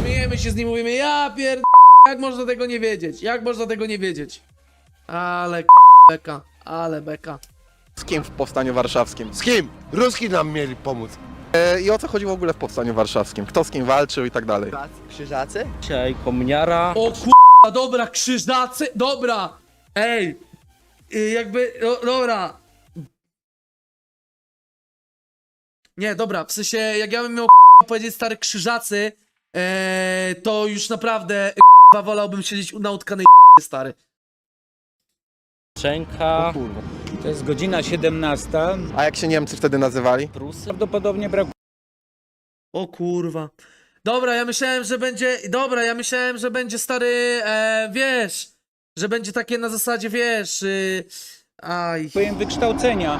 śmiejemy się z nim, mówimy, ja jak można tego nie wiedzieć? Jak można tego nie wiedzieć? Ale beka, ale beka. Z kim w Powstaniu Warszawskim? Z kim? Ruski nam mieli pomóc. I o co chodzi w ogóle w Powstaniu Warszawskim? Kto z kim walczył i tak dalej? Krzyżacy? Dzisiaj kominiara. O dobra, krzyżacy, dobra! Ej! Jakby, dobra. Nie, dobra, w sensie, jak ja bym miał powiedzieć stary krzyżacy, to już naprawdę wolałbym siedzieć na utkanej stary. Szczęka. Kurwa. To jest godzina 17. A jak się Niemcy wtedy nazywali? Prusy. Prawdopodobnie brakuje O kurwa. Dobra, ja myślałem, że będzie. Dobra, ja myślałem, że będzie stary. Wiesz. Że będzie takie na zasadzie, wiesz. Aj. wykształcenia.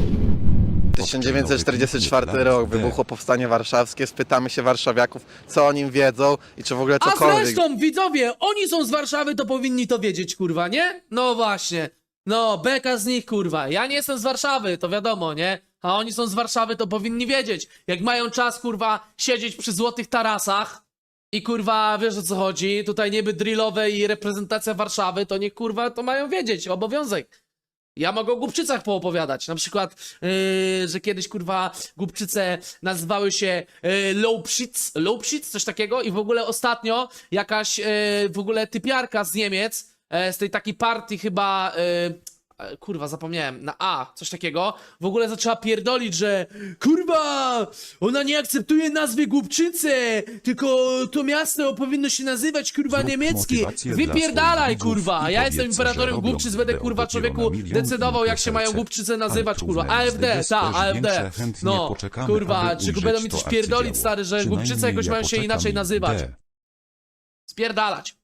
1944 rok, wybuchło Powstanie Warszawskie. Spytamy się warszawiaków, co o nim wiedzą i czy w ogóle A cokolwiek. zresztą, widzowie, oni są z Warszawy, to powinni to wiedzieć, kurwa, nie? No właśnie. No, beka z nich, kurwa. Ja nie jestem z Warszawy, to wiadomo, nie? A oni są z Warszawy, to powinni wiedzieć. Jak mają czas, kurwa, siedzieć przy złotych tarasach i, kurwa, wiesz o co chodzi, tutaj niby drillowe i reprezentacja Warszawy, to niech, kurwa, to mają wiedzieć, obowiązek. Ja mogę o Głubczycach poopowiadać, na przykład, że kiedyś, kurwa, Głubczyce nazywały się Lowpsitz, coś takiego i w ogóle ostatnio jakaś, w ogóle typiarka z Niemiec, z tej takiej partii chyba, kurwa, zapomniałem, na A, coś takiego, w ogóle zaczęła pierdolić, że kurwa, ona nie akceptuje nazwy Głubczyce, tylko to miasto powinno się nazywać, kurwa, niemieckie. Wypierdalaj, kurwa, ja jestem imperatorem Głubczyc, będę, kurwa, człowieku decydował, jak się mają Głubczyce nazywać, kurwa, AfD, AfD, no, kurwa, czy będą mi coś pierdolić, stary, że Głubczyce jakoś mają się inaczej nazywać. Spierdalać.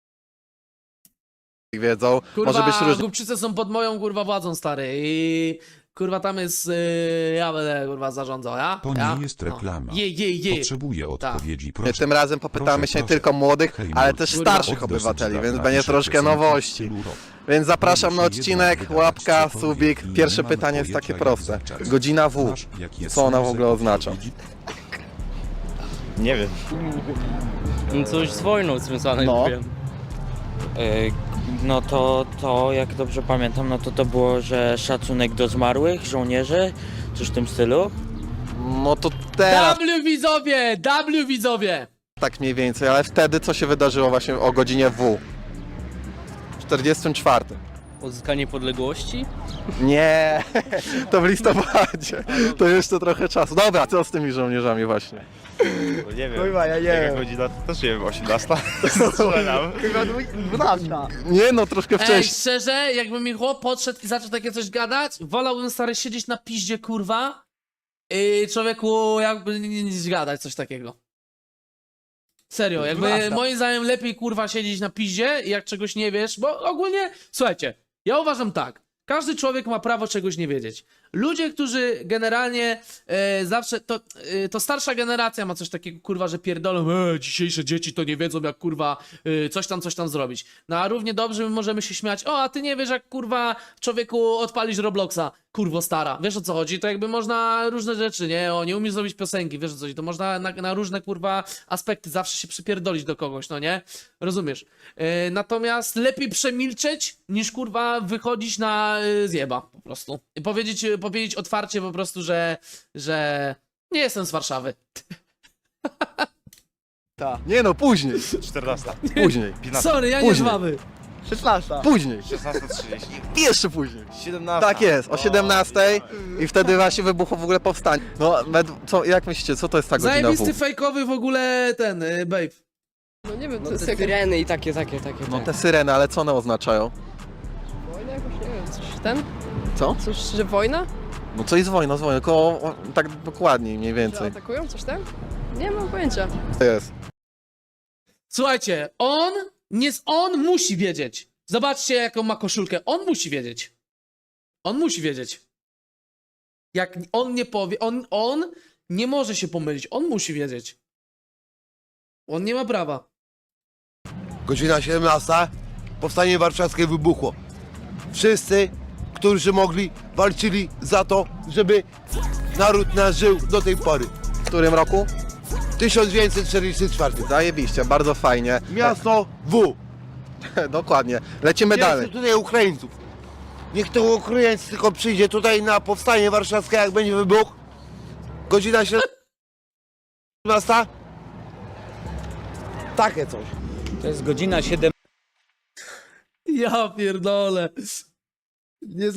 Wiedzą. Kurwa, Może być różnie. Głubczyce są pod moją, kurwa, władzą, stary, i kurwa tam jest, ja będę, kurwa, zarządzał, ja? To ja? nie jest reklama. Je. Potrzebuję odpowiedzi. Proszę. Tym razem popytamy Proszę, się nie proszę. tylko młodych, Hej, ale Mur, też kurwa. starszych Od obywateli, dosyć więc dawna będzie pisze troszkę piosenki w nowości. stylu rock. Więc zapraszam na Może się odcinek, jednak łapka, wydawać subik. cokolwiek i Pierwsze nie mamy pytanie jest takie pojęcia, jak proste. zacząć. Godzina W. Znasz, jaki jest Co ona w związek ogóle oznacza? odpowiedzi? Nie wiem. Coś z wojną związane, No. no. Wiem. No to jak dobrze pamiętam, no to było, że szacunek do zmarłych, żołnierzy, coś w tym stylu. No to teraz W widzowie! tak mniej więcej, ale wtedy co się wydarzyło właśnie o godzinie W? W 44. Odzyskanie niepodległości. Nie, to w listopadzie. To jeszcze trochę czasu. Dobra, co z tymi żołnierzami właśnie? Nie wiem. Kurwa, ja nie Jaka wiem. godzina? Też nie wiem, 18. Strzelam. Chyba 12. Nie no, troszkę Ej, wcześniej. szczerze, jakby mi chłop podszedł i zaczął takie coś gadać, wolałbym, stary, siedzieć na piździe, kurwa, i człowieku jakby nic gadać, coś takiego. Serio, jakby Prawda. moim zdaniem lepiej, kurwa, siedzieć na piździe, jak czegoś nie wiesz, bo ogólnie, słuchajcie, ja uważam tak, każdy człowiek ma prawo czegoś nie wiedzieć. Ludzie, którzy generalnie zawsze, to starsza generacja ma coś takiego, kurwa, że pierdolą, dzisiejsze dzieci to nie wiedzą, jak, kurwa, coś tam zrobić. No a równie dobrze my możemy się śmiać, o, a ty nie wiesz, jak, kurwa, człowieku odpalić Robloxa, kurwo stara, wiesz o co chodzi? To jakby można różne rzeczy, nie? O, nie umiesz zrobić piosenki, wiesz o co chodzi? To można na różne, kurwa, aspekty zawsze się przypierdolić do kogoś, no nie? Rozumiesz? Natomiast lepiej przemilczeć, niż, kurwa, wychodzić na zjeba, po prostu. I powiedzieć otwarcie po prostu, że nie jestem z Warszawy. Nie no, później. 14. Później. 15. Sorry, ja nie z Później. Wawy. 16. Później. 16:30. I jeszcze później. 17. Tak jest, o 17 i wtedy właśnie wybuchło w ogóle powstanie. No, jak myślicie, co to jest ta godzina Zajebisty W? fejkowy w ogóle ten, babe. No nie wiem, No to jest te jak syreny i takie. No te syreny, ale co one oznaczają? wojna jakoś, nie wiem, coś ten? Co? Coś, że wojna? No co jest wojna, tylko tak dokładniej mniej Że więcej. atakują, coś tam? Nie mam pojęcia. To jest. Słuchajcie, on musi wiedzieć. Zobaczcie, jaką ma koszulkę. On musi wiedzieć. On musi wiedzieć. Jak on nie powie, on nie może się pomylić. On musi wiedzieć. On nie ma prawa. Godzina 17. Powstanie warszawskie wybuchło. Wszyscy, którzy mogli, walczyli za to, żeby naród nasz żył do tej pory. W którym roku? 1944. Zajebiście, bardzo fajnie. Miasto W. Dokładnie. Lecimy Nie chcę dalej. tutaj Ukraińców. Niech to Ukraińcy tylko przyjdzie tutaj na powstanie warszawskie, jak będzie wybuch. Godzina 17. Takie coś. To jest godzina 17. Ja pierdolę. Nie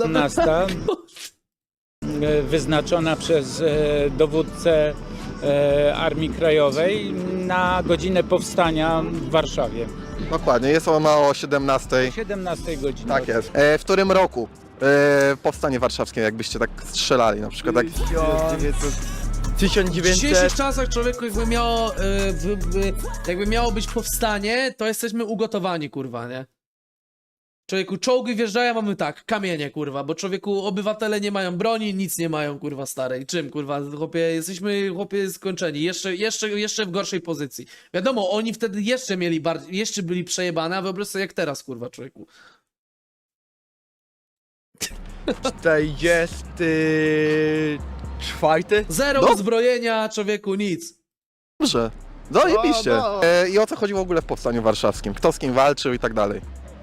Wyznaczona przez dowódcę Armii Krajowej na godzinę powstania w Warszawie. Dokładnie, jest ona o 17. 17 godziny. Tak jest. W którym roku powstanie warszawskie, jakbyście tak strzelali na przykład? Tak? W dzisiejszych czasach człowieku jakby miało być powstanie, to jesteśmy ugotowani, kurwa, nie? Człowieku, czołgi wjeżdżają, mamy tak, kamienie, kurwa, bo człowieku, obywatele nie mają broni, nic nie mają, kurwa, starej. Czym, kurwa, chłopie, jesteśmy, chłopie, skończeni, jeszcze w gorszej pozycji. Wiadomo, oni wtedy jeszcze mieli jeszcze byli przejebane, a wyobraź sobie jak teraz, kurwa, człowieku. 44. Zero No. uzbrojenia, człowieku, nic. Dobrze. Zajebiście. No. I o co chodziło w ogóle w powstaniu warszawskim? Kto z kim walczył i tak dalej?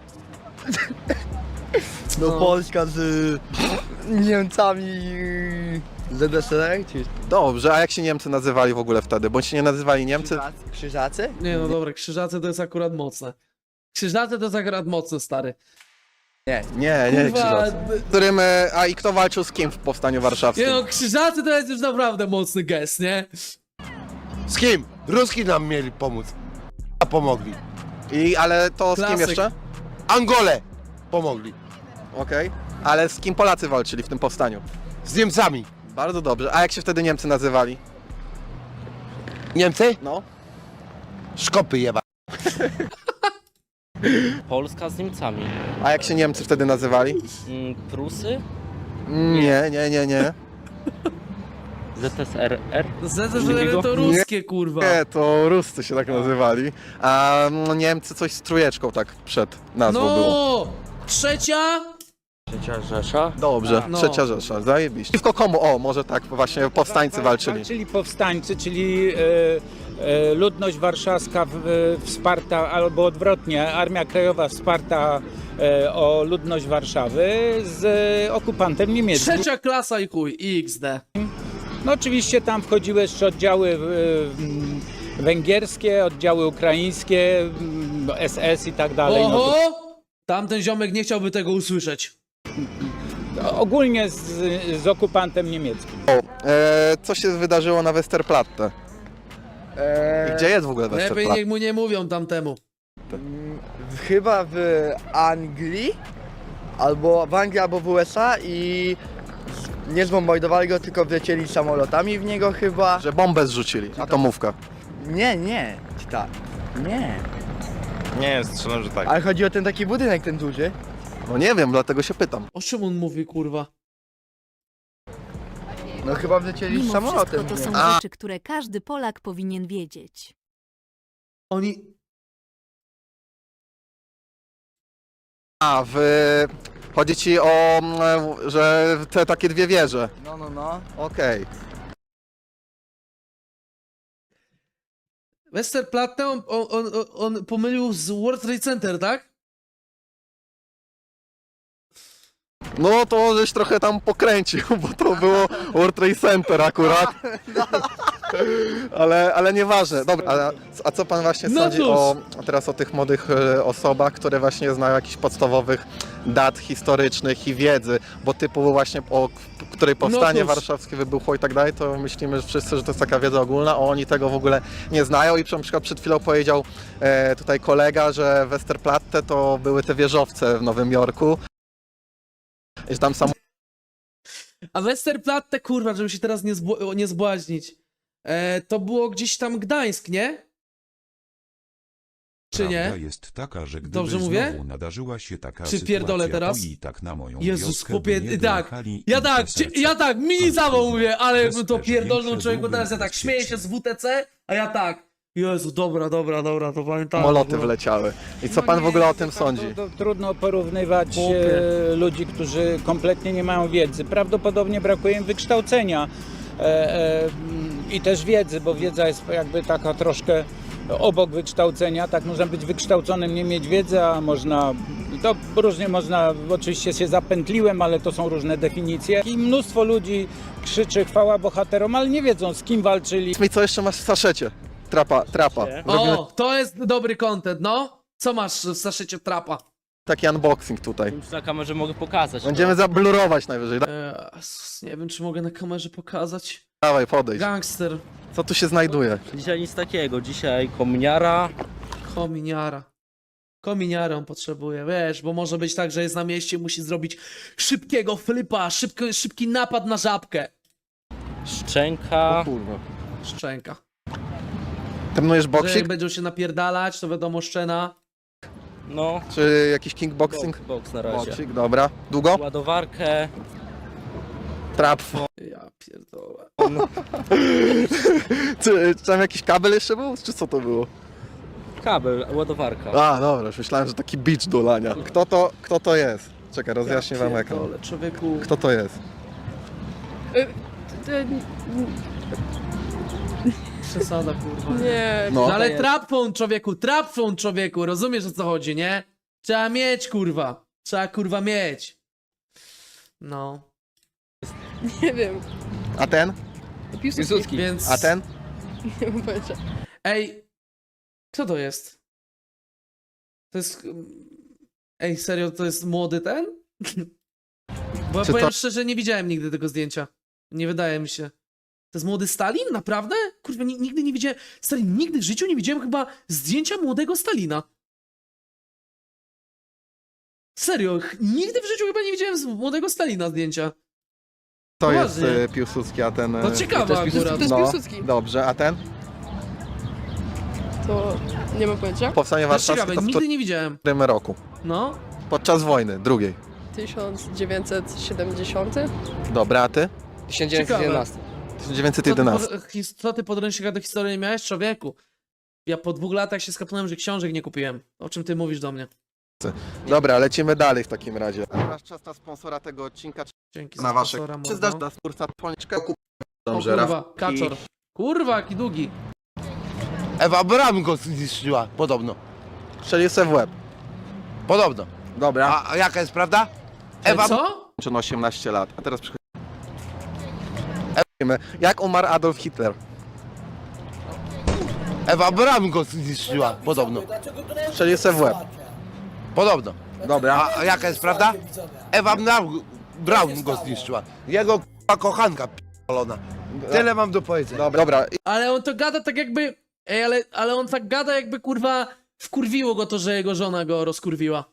No Polska z Niemcami ZSRR, czy Dobrze, a jak się Niemcy nazywali w ogóle wtedy? Bądź się nie nazywali Niemcy? Krzyżacy? Nie, no dobra, krzyżacy to jest akurat mocne. Krzyżacy to jest akurat mocne, stary. Nie, Kurwa, krzyżacy. Którym, i kto walczył z kim w powstaniu warszawskim? nie no, krzyżacy to jest już naprawdę mocny gest, nie? Z kim? Ruski nam mieli pomóc. A pomogli. Ale to z kim Klasyk. jeszcze? Angole pomogli. Okej. Ale z kim Polacy walczyli w tym powstaniu? Z Niemcami. Bardzo dobrze. A jak się wtedy Niemcy nazywali? Niemcy? No. Szkopy jeba. Polska z Niemcami. A jak się Niemcy wtedy nazywali? Prusy? Nie. ZSRR? ZSRR to ruskie, kurwa. Nie, to Ruscy się tak nazywali. A Niemcy coś z trójeczką tak przed nazwą było. No! Trzecia? Trzecia Rzesza. Dobrze, No. Trzecia Rzesza, zajebiście. Przeciwko komu? O, może tak, właśnie powstańcy walczyli. Walczyli powstańcy, czyli ludność warszawska wsparta, albo odwrotnie, Armia Krajowa wsparta o ludność Warszawy z okupantem niemieckim. Trzecia klasa i chuj, XD. No oczywiście tam wchodziły jeszcze oddziały węgierskie, oddziały ukraińskie, SS i tak dalej. No to Oho! Tamten ziomek nie chciałby tego usłyszeć. ogólnie z okupantem niemieckim. Co się wydarzyło na Westerplatte? I gdzie jest w ogóle Lepiej Westerplatte? niech mu nie mówią tamtemu. Chyba w Anglii, albo w Anglii, albo w USA i nie zbombardowali go, tylko wlecieli samolotami w niego chyba. Że bombę zrzucili, atomówka. Nie, czy tak? Nie. Nie, strzelam, że tak. Ale chodzi o ten taki budynek, ten duży. No nie wiem, dlatego się pytam. O czym on mówi, kurwa? No chyba wlecieli Mimo samolotem. wszystko to w są niego. rzeczy, które każdy Polak powinien wiedzieć. Oni... Chodzi ci o, że te takie dwie wieże. No. Okej. Westerplatte on pomylił z World Trade Center, tak? No to żeś trochę tam pokręcił, bo to było World Trade Center akurat. Ale nieważne. Dobra, a co pan właśnie No sądzi cóż. teraz o tych młodych osobach, które właśnie znają jakichś podstawowych dat historycznych i wiedzy, bo typu właśnie o której powstanie cóż. warszawskie wybuchło i tak dalej, to myślimy że wszyscy, że to jest taka wiedza ogólna, a oni tego w ogóle nie znają i na przykład przed chwilą powiedział tutaj kolega, że Westerplatte to były te wieżowce w Nowym Jorku. I że tam sam A Westerplatte, kurwa, żeby się teraz nie zbłaźnić. To było gdzieś tam Gdańsk, nie? Czy nie? Prawda jest taka, że gdyby Dobrze mówię? znowu nadarzyła się taka Czy sytuacja, pierdolę teraz? to i tak na moją Jezus, wioskę chłopie, by nie tak. dojechali Ja tak, mini zawał mówię, ale Przez bym to też pierdolną większe człowieku, długi teraz ja tak śmieję się z WTC, a ja tak. Jezu, dobra, to pamiętam. samoloty wleciały. I co pan w ogóle o tym sądzi? Trudno porównywać Chłopie. ludzi, którzy kompletnie nie mają wiedzy. Prawdopodobnie brakuje im wykształcenia. i też wiedzy, bo wiedza jest jakby taka troszkę obok wykształcenia. Tak, można być wykształconym, nie mieć wiedzy, a można, to różnie można, oczywiście się zapętliłem, ale to są różne definicje. I mnóstwo ludzi krzyczy chwała bohaterom, ale nie wiedzą, z kim walczyli. Powiedz mi, co jeszcze masz w saszycie? Trapa. Robimy O, to jest dobry content, no. Co masz w saszycie trapa? taki unboxing tutaj. Już na kamerze mogę pokazać. Będziemy zablurować najwyżej. Nie wiem, czy mogę na kamerze pokazać. Dawaj, podejdź. Gangster, Co tu się znajduje? Dzisiaj nic takiego, dzisiaj kominiara. kominiara. Kominiarę on potrzebuje, wiesz, bo może być tak, że jest na mieście, musi zrobić szybkiego flipa, szybki napad na żabkę. Szczęka. Kurwa. Szczęka. Trenujesz Że jak boksing? będą się napierdalać, to wiadomo szczena. No, Czy jakiś kickboxing? box na razie. Boksing, dobra. Długo? Ładowarkę. Trap. Ja pierdolę. Czy tam jakiś kabel jeszcze był? Czy co to było? Kabel, ładowarka. A, dobra, już myślałem, że taki beach do lania. Kto to jest? Czekaj, rozjaśnię wam ekran. Pierdolę, człowieku. Kto to jest? Przesada, kurwa. Nie, No. No ale trap phone, człowieku, rozumiesz o co chodzi, nie? Trzeba mieć, kurwa. Trzeba, kurwa, mieć. No. nie wiem. A ten? Piłsudski. Więc... A ten? Nie mam pojęcia. Ej, kto to jest? To jest... Ej, serio, to jest młody ten? Bo ja Czy powiem to- szczerze, nie widziałem nigdy tego zdjęcia. Nie wydaje mi się. To jest młody Stalin? Naprawdę? Kurwa, nigdy nie widziałem... Stalin, nigdy w życiu nie widziałem chyba zdjęcia młodego Stalina. Serio, nigdy w życiu chyba nie widziałem z młodego Stalina zdjęcia. To jest Poważnie. Piłsudski, a ten... To ciekawe akurat. To jest No, Piłsudski. dobrze, a ten? To nie mam pojęcia. Powstanie To jest warszawskie ciekawe, to w nigdy nie widziałem. którym roku? No. Podczas wojny, drugiej. 1970. Dobra, a ty? 1911. 1911. Co ty podręcznika do historii nie miałeś? Człowieku. Ja po 2 latach się skapnąłem, że książek nie kupiłem. O czym ty mówisz do mnie? Dobra, lecimy dalej w takim razie. Teraz czas na sponsora tego odcinka. Dzięki Na za waszych. sponsora, Czy mordo. zdasz na spórca poniczkę? O Dobrze, kurwa, kaczor. Kurwa, jaki długi. Ewa Braun go zniszczyła, podobno. Strzelił se w łeb. Podobno. Dobra. A jaka jest prawda? Ewa Co? Czy 18 lat. A teraz przychodzimy. Jak umarł Adolf Hitler? Ewa Braun go zniszczyła, podobno. Strzelił se w łeb. Podobno. Dobra. A jaka jest prawda? Ewa Braun go zniszczyła. Jego kochanka p***olona. Tyle mam do powiedzenia. Dobra. Ale on to gada tak jakby... Ej, ale on tak gada jakby kurwa... Wkurwiło go to, że jego żona go rozkurwiła.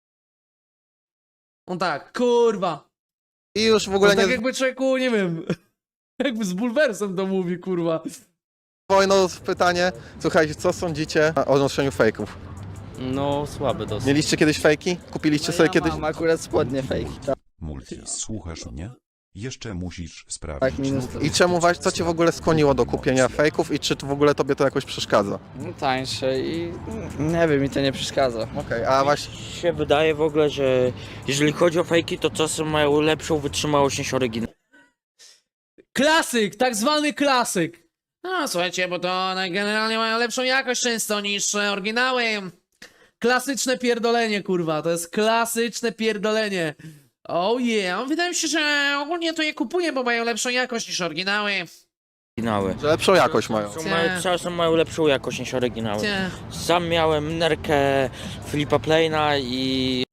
On tak, kurwa. I już w ogóle On tak nie jakby człowieku, nie wiem... Jakby z bulwersem to mówi, kurwa. wojną pytanie. Słuchajcie, co sądzicie o noszeniu fejków? No, słaby dosyć. Mieliście kiedyś fejki? Kupiliście sobie kiedyś? Mam akurat spodnie fake. Multi, słuchasz mnie? Jeszcze musisz Tak, sprawdzić. minus I czemu co cię w ogóle skłoniło do kupienia fejków i czy to w ogóle tobie to jakoś przeszkadza? tańsze i nie wiem, mi to nie przeszkadza. Okej, a właśnie Się wydaje w ogóle, że jeżeli chodzi o fejki, to czasem mają lepszą wytrzymałość niż oryginał. Klasyk, tak zwany klasyk. No słuchajcie, bo to one generalnie mają lepszą jakość często niż oryginały. Klasyczne pierdolenie, kurwa, to jest klasyczne pierdolenie. Oh yeah, wydaje mi się, że ogólnie to je kupuję, bo mają lepszą jakość niż oryginały. że lepszą jakość mają. Czasem mają lepszą jakość niż oryginały. Cie. Sam miałem nerkę Filipa Plaina i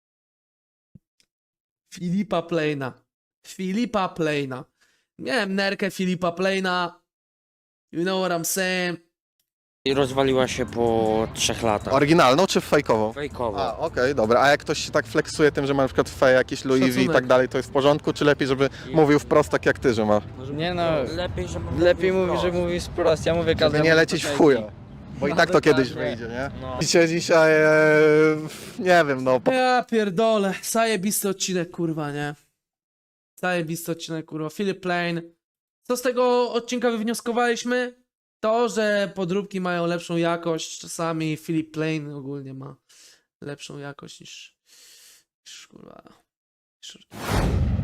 Filipa Plaina. Miałem nerkę Filipa Plaina. You know what I'm saying? rozwaliła się po 3 latach. Oryginalną czy fejkową? Fejkowo. A, okej, dobra. A jak ktoś się tak flexuje tym, że ma na przykład fej jakieś Louis V i Szacunek. tak dalej, to jest w porządku? Czy lepiej, żeby mówił wprost tak jak ty, że ma? Nie no, Lepiej, że lepiej mówi, że mówi wprost. Ja mówię Żeby każdemu. nie lecieć w chuja. Bo i tak to kiedyś wyjdzie, nie? Dzisiaj, nie wiem, no. Ja pierdolę. Zajebisty odcinek, kurwa, nie? Zajebisty odcinek, kurwa. Philip Plain. Co z tego odcinka wywnioskowaliśmy? To, że podróbki mają lepszą jakość. Czasami Philip Plain ogólnie ma lepszą jakość niż kurwa... niż